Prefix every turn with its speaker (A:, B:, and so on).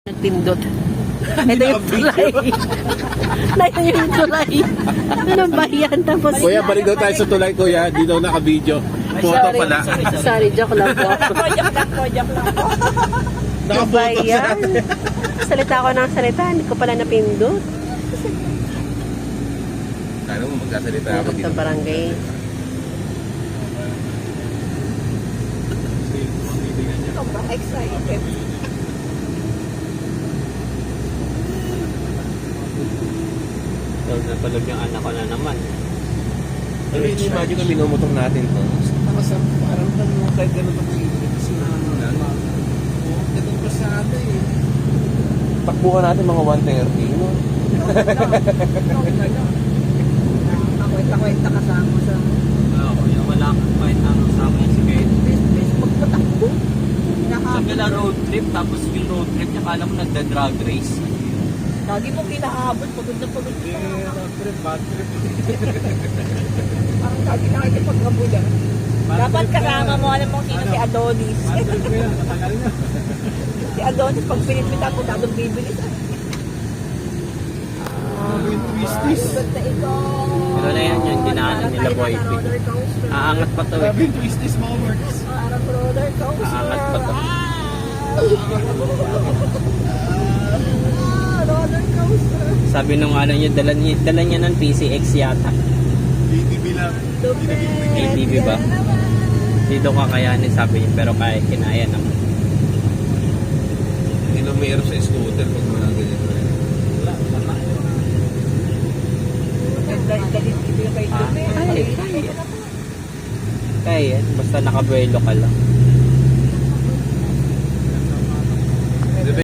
A: Nagpindot. Ito yung tulay. Ito yung tulay. Ano ba yan? Tapos,
B: Kuya, balik daw tayo sa tulay, kuya. Di daw naka-video. Photo pala.
A: sorry, joke lang po.
C: Joke lang po.
A: Ano ba
B: Naka-photo sa
A: yan? Salita ko ng salita, hindi ko pala napindot.
B: Kala mo magkasalita ako
A: Pindot
B: dito.
A: sa barangay.
C: Ito ba? Excited.
D: So, natulog yung anak ko na naman.
B: Pero imagine kung minumutong natin to. Parang tanong kahit ganun ito kasi na ano na. Ganun pa sa atin eh. Takbuhan natin mga 1:30, no?
C: Kwenta-kwenta kasama sa...
D: Oo, kuya, wala akong kahit anong sama yung si Kate.
C: Please, magpatakbo.
D: Sabi na road trip, tapos yung road trip niya, kala mo nagda-drag race.
C: Lagi mo kinahabol, pagod na pagod ka.
B: Bad trip.
C: Parang lagi nakikipaghabulan. Dapat kasama mo, alam mo sino si Adonis. Si Adonis, pag pinipita ko, dadong bibilis.
B: Twisties.
C: Ganda ito.
D: Pero na yan yung dinaanan nila, boy.
C: Roller coaster.
D: Aangat pa to eh.
B: Grabe yung twisties mga words.
C: Parang roller coaster.
D: Aangat pa to.
C: Roller coaster.
D: Sabi nung ano niya, dala niya ng PCX yata.
B: BTV lang.
D: ATV ba? Dito kakayanin, sabi niya, pero kaya kinaya naman.
B: Hindi na mayroon sa scooter pag mga ganyan.
D: Kaya, basta nakabuelo ka lang.